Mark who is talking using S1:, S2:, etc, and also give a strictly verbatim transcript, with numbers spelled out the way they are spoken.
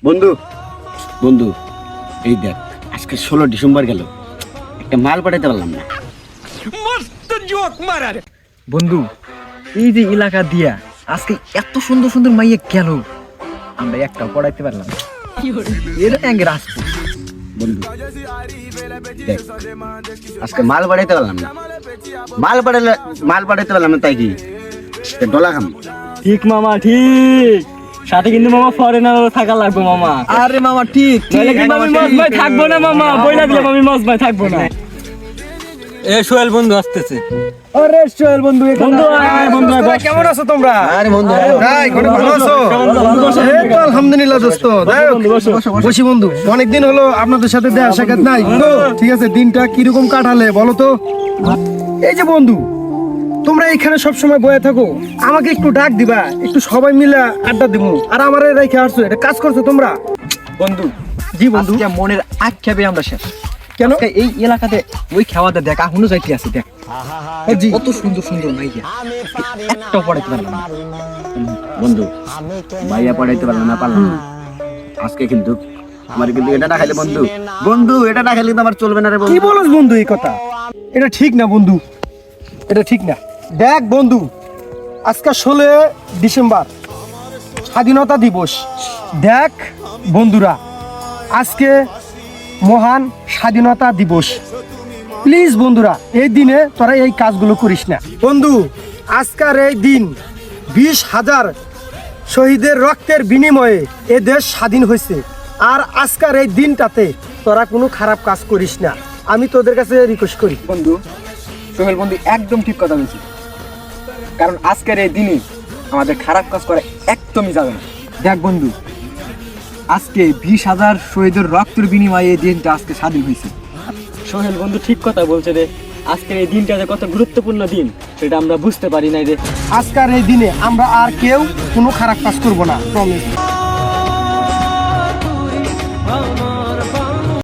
S1: বন্ধু বন্ধু এই দেখ আজকে ষোলো ডিসেম্বর গেল, একটা মাল পাঠাতে পারলাম না।
S2: বন্ধু এই যে এলাকা দিয়া আজকে এত সুন্দর সুন্দর মাইয়া গেল, আমরা একটা পড়াইতে পারলাম না। এটা এক রাজপুত
S1: বন্ধু দেখ আজকে মাল পাঠাইতে পারলাম না, মাল পাঠালে মাল পাঠাইতে পারলাম না তাই কি ডলা খাম।
S3: ঠিক মামা ঠিক, সাথে কিন্তু মামা ফরেনারও থাকা লাগবে মামা।
S2: আরে মামা ঠিক
S3: নইলে কিন্তু আমি মজ ভাই থাকবো না মামা, বইলা দিলাম আমি মজ ভাই থাকবো না। এ সোহেল বন্ধু আসতেছে।
S2: আরে সোহেল বন্ধু
S3: বন্ধু আয় বন্ধু আয়, বস।
S2: কেমন আছো তোমরা?
S1: আরে বন্ধু
S2: ভাই কোনে ভালো আছো? এই তো আলহামদুলিল্লাহ দোস্ত। বসি বন্ধু, অনেকদিন হলো আপনাদের সাথে দেখা সাক্ষাৎ নাই তো, ঠিক আছে দিনটা কিরকম কাটালে বলো তো? এই যে বন্ধু তোমরা এখানে সব সময় বয়ে থাকো, আমাকে একটু ডাক দিবা, একটু সবাই মিলে আড্ডা দিবো। আর আমারে রেখে আসছো, এটা কাজ করছো তোমরা?
S3: বন্ধু
S2: জি বন্ধু।
S3: আজকে মনের আক্ষেপে আমরা শেষ।
S2: কেন?
S3: আজকে এই এলাকাতে ওই খাওয়াতে দেখ এখনো যাইতে আছে, দেখ
S2: জি
S3: কত সুন্দর সুন্দর মাইয়া, একটা পড়াইতে পারলাম না।
S1: বন্ধু ভাইয়া পড়াইতে পারলাম না পারলাম না আজকে, কিন্তু আমার কিন্তু এটা না খাইলে বন্ধু বন্ধু এটা না খাইলে কিন্তু আমার চলবে না রে
S2: কি
S1: বন্ধু।
S2: বলছ বন্ধু এই কথা? এটা ঠিক না বন্ধু, এটা ঠিক না। দেখ বন্ধু আজকে ষোলো ডিসেম্বর স্বাধীনতা দিবস। দেখ বন্ধুরা আজকে মহান স্বাধীনতা দিবস। প্লিজ বন্ধুরা এই দিনে তোরা এই কাজগুলো করিস না বন্ধু। আজকের এই দিন বিশ হাজার শহীদের রক্তের বিনিময়ে এ দেশ স্বাধীন হয়েছে। আর আজকের এই দিনটাতে তোরা কোনো খারাপ কাজ করিস না, আমি তোদের কাছে রিকোয়েস্ট করি।
S3: বন্ধু সোহেল বন্ধু একদম ঠিক কথা বলছি, কারণ আজকের এই দিনে আমাদের খারাপ কাজ করা একদমই যাবে না। দেখ বন্ধু আজকে বিশ হাজার শহীদের রক্তের বিনিময়ে এই দিনটা আজকে স্বাধীন হয়েছে। সোহেল বন্ধু ঠিক কথা বলছে রে, আজকের এই দিনটা যে কত গুরুত্বপূর্ণ দিন সেটা আমরা বুঝতে পারি নাই রে।
S2: আজকের এই দিনে আমরা আর কেউ কোনো খারাপ কাজ করব না, প্রমিস।